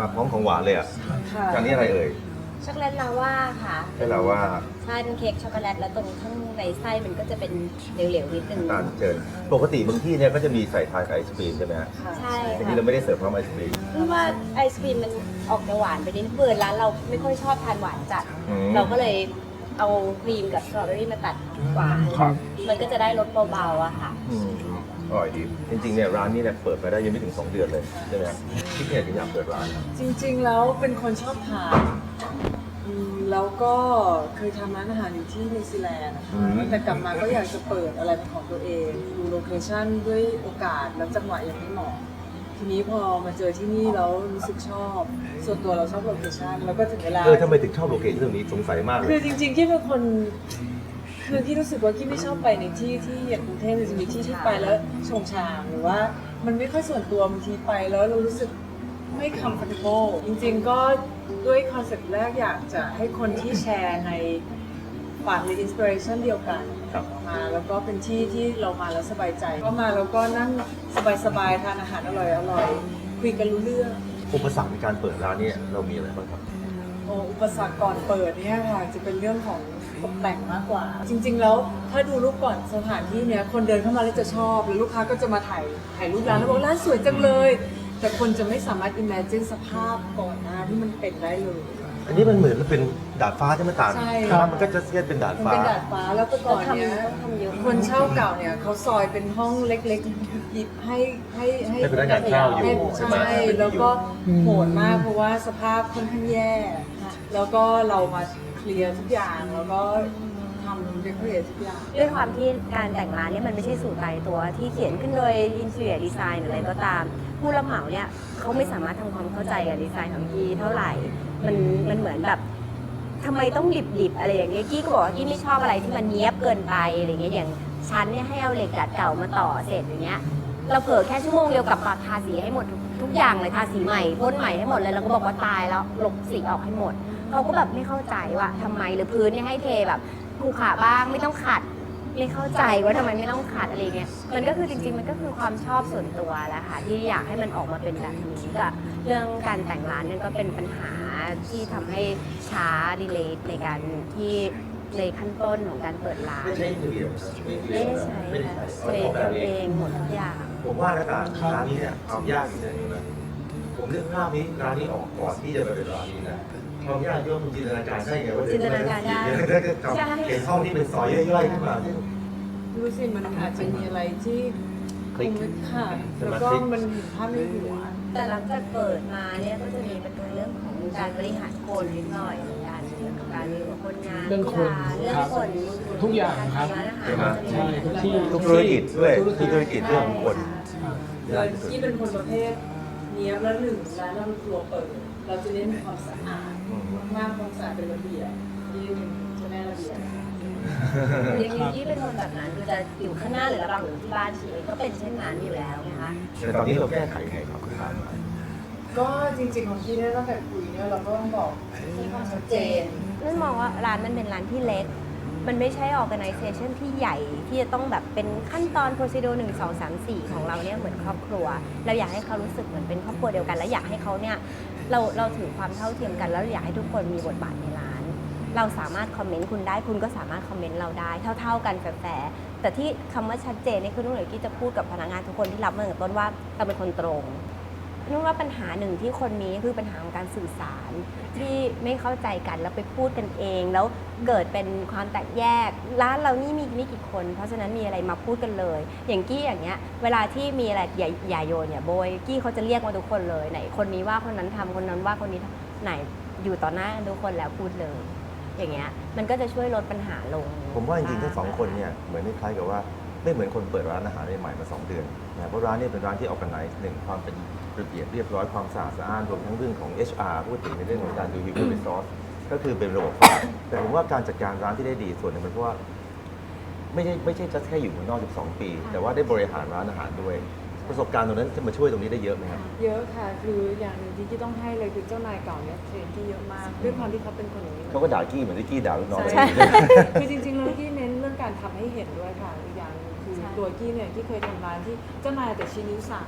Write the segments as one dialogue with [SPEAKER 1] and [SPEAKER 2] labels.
[SPEAKER 1] พร้อมของหวานเลยอ่ะจานนี้อะไรเอ่ย
[SPEAKER 2] ช็อกโกแลตลาว่าค่ะ
[SPEAKER 1] ให้เราว่า
[SPEAKER 2] ใช่เป็นเค้กช็อกโกแลตแล้วตรงข้างในไส้มันก็จะเป็นเหลวๆนิดนึง
[SPEAKER 1] ตาลเชิญปกติบางที่เนี่ยก็จะมีใส่ทานกับไอศครีมใช่ไหมฮะ
[SPEAKER 2] ใช่
[SPEAKER 1] ที
[SPEAKER 2] ค่ะ
[SPEAKER 1] นี้เราไม่ได้เสิร์ฟพร้อมไอศครีม
[SPEAKER 2] เพราะว่าไอศครีมมันออกจะหวานไปนิดเบื่อร้านเราไม่ค่อยชอบทานหวานจัดเราก็เลยเอาครีมกับสตรอเบอรี่มาตัดหวานมันก็จะได้รสเบาๆอะค่ะ
[SPEAKER 1] อร่อยดีจริงๆเนี่ยร้านนี้เนี่ยเปิดมาได้ยังไม่ถึง2 เดือนเลยใช่ไหมครับที่เนี่ยถึงอยากเปิดร้าน
[SPEAKER 3] จริงๆแล้วเป็นคนชอบทานแล้วก็เคยทำร้านอาหารอยู่ที่นิวซีแลนด์นะคะแต่กลับมาก็อยากจะเปิดอะไรเป็นของตัวเองดูโลเคชั่นด้วยโอกาสแล้วจังหวะยังไม่เหมาะทีนี้พอมาเจอที่นี่แล้วรู้สึกชอบส่วนตัวเราชอบโลเคชั่นแล้วก็ถึงเวลา
[SPEAKER 1] ทำไมถึงชอบโลเคชั่นตรงนี้สงสัยมากเลย
[SPEAKER 3] คือจริงๆที่เป็นคนคือที่รู้สึกว่าที่ไม่ชอบไปในที่ที่อย่างกรุงเทพมันจะมีที่ไปแล้วชงชางหรือว่ามันไม่ค่อยส่วนตัวบางทีไปแล้วเรารู้สึกไม่ comfortable จริงๆก็ด้วยคอนเซ็ปต์แรกอยากจะให้คนที่แชร์ในฝันหรืออินสปิเรชันเดียวกันมาแล้วก็เป็นที่ที่เรามาแล้วสบายใจก็มาแล้วก็นั่งสบายๆทานอาหารอร่อยๆคุยกันรู้เรื่อง
[SPEAKER 1] อุปสรรคในการเปิดร้านเนี่ยเรามีอะไรบ้างครับ
[SPEAKER 3] อุปสรรคก่อนเปิดเนี่ยค่ะจะเป็นเรื่องของตกแต่งมากกว่าจริงๆแล้วถ้าดูรูปก่อนสถานที่เนี้ยคนเดินเข้ามาแล้วจะชอบแล้วลูกค้าก็จะมาถ่ายรูปร้านแล้วบอกร้านสวยจังเลยแต่คนจะไม่สามารถ imagine สภาพก่อนหน้าที่มันเป็นได้เลย
[SPEAKER 1] อันนี้มันเหมือนเป็นดาดฟ้าใช่ไหมตาล
[SPEAKER 3] ใช่
[SPEAKER 1] มันก็จะเทียบเป็นดาดฟ้า
[SPEAKER 3] เป็นดาดฟ้าแล้วแต่ก่อนเนี้ยคนเช่าเก่าเนี่ยเขาซอยเป็นห้องเล็กๆหยิบให้
[SPEAKER 1] พนักงานเช่าอยู่
[SPEAKER 3] ใช่แล้วก็โหดมากเพราะว่าสภาพค่อนข้างแย่แล้วก็เรามาเคลียร์ทุกอย่างแล้วก็ทำเดคอเรททุกอย่าง
[SPEAKER 2] ด้วยความที่การแต่งร้านเนี่ยมันไม่ใช่สูตรตายตัวที่เขียนขึ้นโดยอินเทอร์ดีไซน์อะไรก็ตามผู้รับเหมาเนี่ยเขาไม่สามารถทำความเข้าใจกับดีไซน์ของกี้เท่าไหร่มันเหมือนแบบทำไมต้องดิบอะไรอย่างเงี้ยกี้ก็บอกว่ากี้ไม่ชอบอะไรที่มันเนี้ยบเกินไปอะไรเงี้ยอย่างชั้นเนี่ยให้เอาเหล็กดัดเก่ามาต่อเสร็จอย่างเงี้ยเราเผลอแค่ชั่วโมงเดียวกับปาทาสีให้หมดทุกอย่างเลยทาสีใหม่พ่นใหม่ให้หมดเลยแล้วก็บอกว่าตายแล้วลบสีออกให้หมดเขาก็แบบไม่เข้าใจว่าทำไมหรือพื้นเนี่ยให้เทแบบภูขาบ้างไม่ต้องขัดไม่เข้าใจว่าทำไมไม่ต้องขัดอะไรเงี้ยมันก็คือจริงๆมันก็คือความชอบส่วนตัวแหละค่ะที่อยากให้มันออกมาเป็นแบบนี้กับเรื่องการแต่งร้านนั่นก็เป็นปัญหาที่ทำให้ช้าดีเลย์ในการที่ในขั้นต้นของการเปิดร้าน
[SPEAKER 1] ไม่ใช่เดียว
[SPEAKER 2] ไม่ได้ใช้ค่ะใช้ทำเองหมดทุกอย่าง
[SPEAKER 1] ผมว่านะตาร้านนี้เนี่ยความยากอยู่ในนี้นะผมเลือกภาพนี้ร้านนี้ออกก่อนที่จะมาเป็นร้านนี้นะความยากที่ว่าคุณจินตนาการได้ไงว่า
[SPEAKER 2] จินตนาการได้
[SPEAKER 1] เห็นห้องที่เป็นซอยย่อยๆขึ้นมา
[SPEAKER 3] รู้สิมันอาจจะมีอะไรที่คงไม่ขาดแล้วก็มันเห็นภาพในหัว
[SPEAKER 2] แต่หลังจากเปิดมาเนี่ยก็จะมีปัญหาเรื่องของการบริหารคนนิดหน่อยเหมือนกันเรื่องของการมีคนงาน
[SPEAKER 4] เรื่องคน
[SPEAKER 2] เรื่องคน
[SPEAKER 4] ทุกอย่างครับใช่ทุกที่
[SPEAKER 1] ทุกธุรกิจด้วยทุกธุรกิจเรื่องของคน
[SPEAKER 3] ที่เป็นคนประเภทเนี้ยแล้วหนึ่งร้านเราเป็นครัวเปิดเราจะเน้นความสะอาดมากความสะอาดเป็นระเบียบที่เป็นเจ้าแม่ระเบียบ
[SPEAKER 2] อย่างนี้เป็นคนแบบนั้นคือจะอยู่ข้างหน้าหรือระบังอยู่ที่บ้านชีวิตก็เป็นเช่นนั้นอยู่แล้วนะคะ
[SPEAKER 1] แต่ตอนนี้เราแก้ไขไงครับคุณตา
[SPEAKER 3] ก็จริงๆของที่เนี่ยตั้งแต่คุยเนี่ยเราก็ต้องบอกที่ความชัดเจน
[SPEAKER 2] นั่นมองว่าร้านมันเป็นร้านที่เล็กมันไม่ใช่ organization ที่ใหญ่ที่จะต้องแบบเป็นขั้นตอน procedure 1 2 3 4ของเราเนี่ยเหมือนครอบครัวเราอยากให้เขารู้สึกเหมือนเป็นครอบครัวเดียวกันและอยากให้เขาเนี่ยเราถือความเท่าเทียมกันแล้วอยากให้ทุกคนมีบทบาทในร้านเราสามารถคอมเมนต์คุณได้คุณก็สามารถคอมเมนต์เราได้เท่าๆกันแฟร์แต่ที่คำว่าชัดเจนนี่คือนุ่นเลยที่จะพูดกับพนักงานทุกคนที่รับมาตั้งแต่ต้นว่าเราเป็นคนตรงนุ่นว่าปัญหาหนึ่งที่คนมีคือปัญหาของการสื่อสารที่ไม่เข้าใจกันแล้วไปพูดกันเองแล้วเกิดเป็นความแตกแยกร้านเรานี่มีไม่กี่คนเพราะฉะนั้นมีอะไรมาพูดกันเลยอย่างกี้อย่างเงี้ยเวลาที่มีอะไรอย่าโยนอย่าโบยกี้เขาจะเรียกมาทุกคนเลยไหนคนนี้ว่าคนนั้นทำคนนั้นว่าคนนี้ไหนอยู่ต่อหน้าทุกคนแล้วพูดเลยอย่างเงี้ยมันก็จะช่วยลดปัญหาลง
[SPEAKER 1] ผมว่าจริงๆทั้งสองคนเนี่ยเหมือนคล้ายกับว่าไม่เหมือนคนเปิดร้านอาหารใหม่มา2 เดือนนะเพราะร้านนี้เป็นร้านที่ออร์แกไนซ์หนึ่งความเป็นระเบียบเรียบร้อยความสะอาดสะอ้านรวมทั้งเรื่องของ HR พูดถึงในเรื่องของการดู human resource ก็คือเป็นระบบแต่ผมว่าการจัดการร้านที่ได้ดีส่วนหนึ่งเป็นเพราะว่าไม่ใช่แค่อยู่เมืองนอก12 ปีแต่ว่าได้บริหารร้านอาหารด้วยประสบการณ์ตรงนั้นจะมาช่วยตรงนี้ได้เยอะไหมครับ
[SPEAKER 3] เยอะค่ะคืออย่างหนึ่งที่ต้องให้เลยคือเจ้านายเก่าเนี่ยเทรนที่เยอะมากด้วยความที่เขาเป็นคนอย่างนี้
[SPEAKER 1] เขาก็ด่ากี้เหมือนที่กี้ด่าลูกน้องเลย
[SPEAKER 3] คือจริงๆแล้วกี้เน้นเรื่องการทำให้เห็นด้วยค่ะอีกอย่างคือตัวกี้เนี่ยที่เคยทำร้านที่เจ้านายแต่ชี้นิ้วสั่ง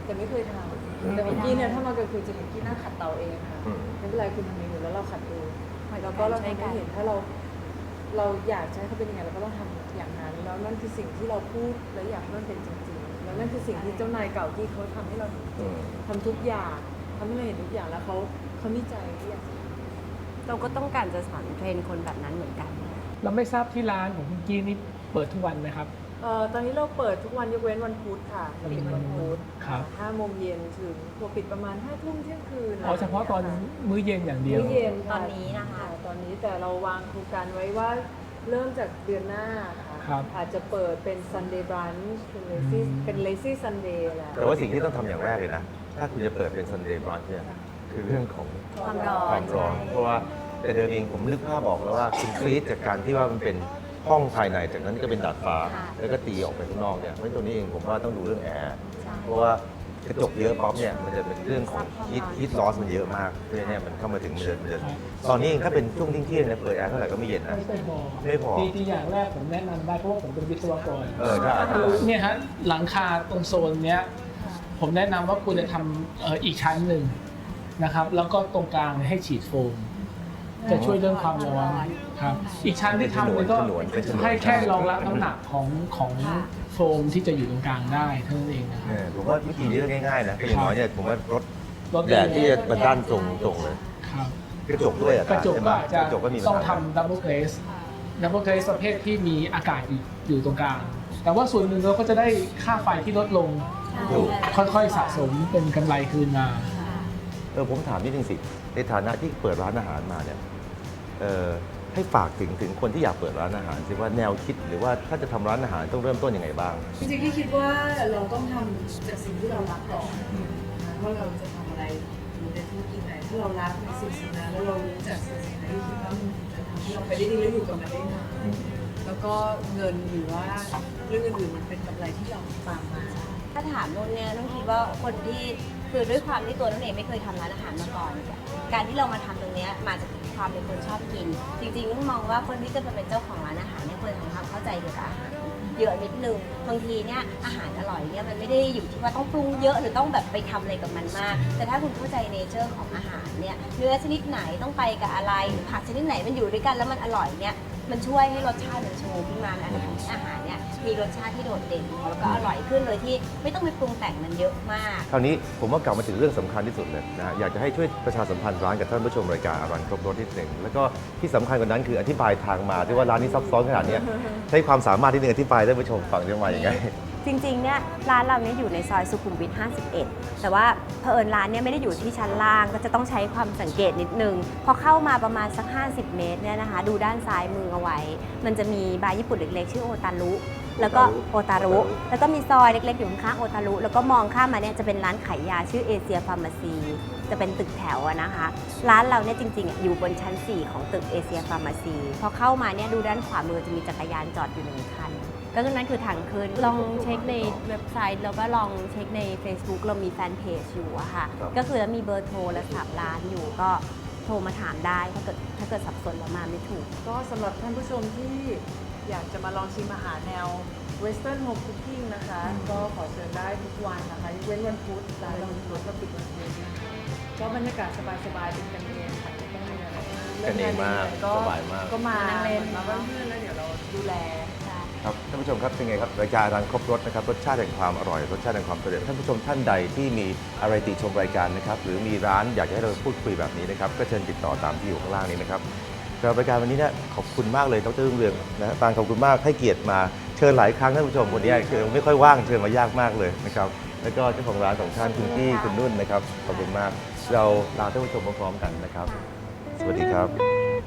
[SPEAKER 3] แต่ไม่เคยทำแต่ของกี้เนี่ยถ้ามากลางคืนจะเห็นกี้นั่งขัดเตาเองค่ะ
[SPEAKER 1] อืม
[SPEAKER 3] ไม่เป็นไรคุณทำเองอยู่แล้วเราขัดเอง แล้วก็เราทำให้เห็นถ้าเราอยากจะให้เขาเป็นยังไงเราก็ต้องทำอย่างนั้นแล้วนั่นคือสิ่งที่เราพูดและอยากให้มันเป็นจริงๆแล้วนั่นคือสิ่งที่เจ้านายเก่าที่เขาทำให้เราเห็น
[SPEAKER 1] อืม
[SPEAKER 3] ทำทุกอย่างทำให้เราเห็นทุกอย่างแล้วเขามีใจที่อยากจะท
[SPEAKER 2] เราก็ต้องการจะสอนเทรนคนแบบนั้นเหมือนกัน
[SPEAKER 4] เราไม่ทราบที่ร้านของคุณกี้นี่เปิดทุกวันไหมครับ
[SPEAKER 3] ตอนนี้เราเปิดทุกวันยกเว้นวันพุธค่ะเราปิดวันพุธ
[SPEAKER 4] ครับ
[SPEAKER 3] 5 โมงเย็นถึงพอปิดประมาณ5 ทุ่มเที่ยงคืน
[SPEAKER 4] อ๋อเฉพาะตอนมื้อเย็นอย่างเดียว
[SPEAKER 3] มื้อเย็น
[SPEAKER 2] ตอนนี้นะคะ
[SPEAKER 3] ตอนนี้แต่เราวางโครงการไว้ว่าเริ่มจากเดือนหน้าค่ะ
[SPEAKER 4] ครับ
[SPEAKER 3] อาจจะเปิดเป็น Sunday brunch เป็น lazy Sunday แหละ
[SPEAKER 1] แต่ว่าสิ่งที่ต้องทำอย่างแรกเลยนะ ถ้าคุณจะเปิดเป็น Sunday brunch เนี่ยคือเรื่องของ
[SPEAKER 2] ความร้อน
[SPEAKER 1] ความร้อน เพราะว่าแต่เดิมเองผมนึกภาพบอกแล้วว่าคุณคลีดจากการที่ว่ามันเป็นห้องภายในจากนั้นก็เป็นดาดฟ้า แล้วก็ตีออกไปข้างนอกเนี่ยเพราะตัวนี้เองผมว่าต้องดูเรื่องแอร์เพราะว่ากระจกเยอะป๊อปเนี่ยมันจะเป็นเรื่องของฮีทลอสมันเยอะมากเพราะฉะนั้นเนี่ยมันเข้ามาถึงมันจะตอนนี้เองถ้าเป็นช่วงเที่ยงๆเนี่ยเปิดแอร์เท่าไหร่ก็ไม่เย็นนะ ไม่พอ
[SPEAKER 4] จริงๆอย่างแรกผมแนะนำได้เพราะว่าผมเป็นวิศวกร
[SPEAKER 1] ใช่
[SPEAKER 4] เนี่ยฮะหลังคาตรงโซนเนี้ยผมแนะนำว่าคุณจะทำอีกชั้นหนึ่งนะครับแล้วก็ตรงกลางให้ฉีดโฟม จะช่วยเรื่องความร้อนครับอีกชั้นที่ทำเนี่ยก็ให้แค่รองรับน้ำหนักของโฟมที่จะอยู่ตรงกลางได้เท่านั้นเองนะครับ
[SPEAKER 1] ผมว่าวิธีนี้ก็ง่ายๆนะคืออย่างน้อยเนี่ยผมว่ารถ
[SPEAKER 4] รถ
[SPEAKER 1] แดดที่จะมาด้านตรงเลย
[SPEAKER 4] ครับ
[SPEAKER 1] กระจกด้วยอะ
[SPEAKER 4] กระจก
[SPEAKER 1] ใช่ไหม
[SPEAKER 4] ก็อาจจะ
[SPEAKER 1] กระจกก็มีปัญ
[SPEAKER 4] ต้อง
[SPEAKER 1] หา
[SPEAKER 4] ทำดับเบิลเกรสประเภทที่มีอากาศอยู่ตรงกลาง แต่ว่าส่วนหนึ่งเราก็จะได้ค่าไฟที่ลดลง
[SPEAKER 1] ถูก
[SPEAKER 4] ค่อยๆสะสมเป็นกำไรคืนมา
[SPEAKER 1] ผมถามนิดนึงสิในฐานะที่เปิดร้านอาหารมาเนี่ยให้ฝากถึงคนที่อยากเปิดร้านอาหารสิว่าแนวคิดหรือว่าถ้าจะทำร้านอาหารต้องเริ่มต้นยังไงบ้าง
[SPEAKER 3] จริงๆที่คิดว่าเราต้องทำจากสิ่งที่เรารักก่อนนะคะว่าเราจะทำอะไรอยู่ในธุรกิจไหนถ้าเรารักในสิ่งนั้นแล้วเรารู้จักสิ่งนั้นที่คิดว่ามันจะทำให้เราไปได้ดีและอยู่กับมันได้นานแล้วก็เงินหรือว่าเรื่องอื่นๆมันเป็นกำไรที่เราตามมา
[SPEAKER 2] ถ้าถามนุ่นเนี่ยนุ่นคิดว่าคนที่คือด้วยความที่ตัวนุ่นเองไม่เคยทำร้านอาหารมาก่อน การที่เรามาทำตรงเนี้ยมาจากความเป็นคนชอบกิน จริงๆนุ่นมองว่าคนที่จะมาเป็นเจ้าของร้านอาหารเนี่ยควรทำความเข้าใจเกี่ยวกับอาหารเยอะนิดนึงบางทีเนี่ยอาหารอร่อยเนี่ยมันไม่ได้อยู่ที่ว่าต้องปรุงเยอะหรือต้องแบบไปทำอะไรกับมันมาก แต่ถ้าคุณเข้าใจเนเจอร์ของอาหารเนี่ยเนื้อชนิดไหนต้องไปกับอะไรหรือผักชนิดไหนมันอยู่ด้วยกันแล้วมันอร่อยเนี่ยมันช่วยให้รสชาติมันชูขึ้นมาอาหารอาหารเนี่ยมีรสชาติที่โดดเด่นแล้วก็อร่อยขึ้นโดยที่ไม่ต้องไปปรุงแต่งมันเยอะมาก
[SPEAKER 1] คราวนี้ผมว่ากลับมาถึงเรื่องสำคัญที่สุดเลยนะอยากจะให้ช่วยประชาสัมพันธ์ร้านกับท่านผู้ชมรายการอรันครบรสนิดหนึ่งแล้วก็ที่สำคัญกว่านั้นคืออธิบายทางมาที่ว่าร้านนี้ซับซ้อนขนาดเนี้ยใช้ความสามารถที่หนึ่งอธิบายให้ท่านผู้ชมฟังจะมาอย่างไง
[SPEAKER 2] จริงๆ เนี่ยร้านเราเนี่ยอยู่ในซอยสุขุมวิท 51 แต่ว่าเผอิญร้านเนี่ยไม่ได้อยู่ที่ชั้นล่างก็จะต้องใช้ความสังเกตนิดนึง พอเข้ามาประมาณสัก 50 เมตรเนี่ยนะคะ ดูด้านซ้ายมือเอาไว้ มันจะมีบาร์ญี่ปุ่นเล็กๆ ชื่อโอตารุ แล้วก็โอตารุ แล้วก็มีซอยเล็กๆ อยู่ข้างๆโอตารุ แล้วก็มองข้ามมาเนี่ยจะเป็นร้านขายยาชื่อเอเชียฟาร์มาซี จะเป็นตึกแถวอะนะคะ ร้านเราเนี่ยจริงๆอะอยู่บนชั้น 4 ของตึกเอเชียฟาร์มาซี พอเข้ามาเนี่ยดูด้านขวามือจะมีจักรยานจอดอยู่1 คัน ก็คือนั้นคือทางขึ้นลองเช็คในเว็บไซต์แล้วก็ลองเช็คใน Facebook เรามีแฟนเพจอยู่อะค่ะ
[SPEAKER 1] ครับ
[SPEAKER 2] ก็คือแล้วมีเบอร์โทรและสับร้านอยู่ก็โทรมาถามได้ถ้าเกิดสับสนแล้วมาไม่ถูก
[SPEAKER 3] ก็สำหรับท่านผู้ชมที่อยากจะมาลองชิมอาหารแนว Western Home Cooking นะคะ ก็ขอเชิญได้ทุกวันนะคะยกเว้นวันพุธร้านเราปิดวันพุธนะคะก็บรรยากาศสบายๆเป็นกันเองค่ะไม่ต้องมีอะไร
[SPEAKER 1] กันเองมาก
[SPEAKER 3] ก็
[SPEAKER 1] สบายมาก
[SPEAKER 3] ก็มา
[SPEAKER 2] นั่งเล่น
[SPEAKER 3] มาบ้านเพื่อนแล้วเดี๋ยวเราดูแล
[SPEAKER 1] ครับท่านผู้ชมครับเป็นไงครับรายการร้านครบรสนะครับรสชาติแห่งความอร่อยรสชาติแห่งความสำเร็จท่านผู้ชมท่านใดที่มีอะไรติชมรายการนะครับหรือมีร้านอยากจะให้เราพูดคุยแบบนี้นะครับก็เชิญติดต่อตามที่อยู่ข้างล่างนี้นะครับสำหรับรายการวันนี้เนี่ยขอบคุณมากเลยดรรุ่งเรืองนะฮะปางขอบคุณมากให้เกียรติมาเชิญหลายครั้งท่านผู้ชมคนนี้คือไม่ค่อยว่างเชิญมายากมากเลยนะครับแล้วก็เจ้าของร้านของท่านคุณพี่คุณนุ่นนะครับขอบคุณมากเราลาท่านผู้ชมพร้อมๆกันนะครับสวัสดีครับ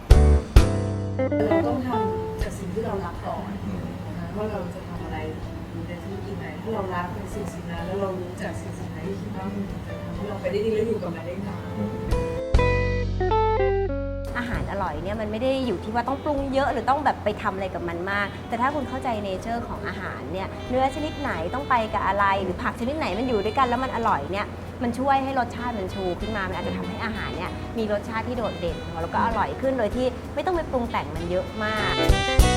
[SPEAKER 3] เราต้องทำจากสิ่งที่เรารักก่อนนะคะว่าเราจะทำอะไรอยู่ในธุรกิจไหนถ้าเรารักในสิ่งนั้นแล้วเรารู้จักสิ่งนั้นที่คิดว่ามันจะทำให้เราไปได้ดีและอยู่กับมันได้นาน
[SPEAKER 2] อาหารอร่อยเนี่ยมันไม่ได้อยู่ที่ว่าต้องปรุงเยอะหรือต้องแบบไปทำอะไรกับมันมาก แต่ถ้าคุณเข้าใจเนเจอร์ของอาหารเนี่ยเนื้อชนิดไหนต้องไปกับอะไรหรือผักชนิดไหนมันอยู่ด้วยกันแล้วมันอร่อยเนี่ยมันช่วยให้รสชาติมันชูขึ้นมามันอาจจะทำให้อาหารเนี่ยมีรสชาติที่โดดเด่นแล้วก็อร่อยขึ้นโดยที่ไม่ต้องไปปรุงแต่งมันเยอะมาก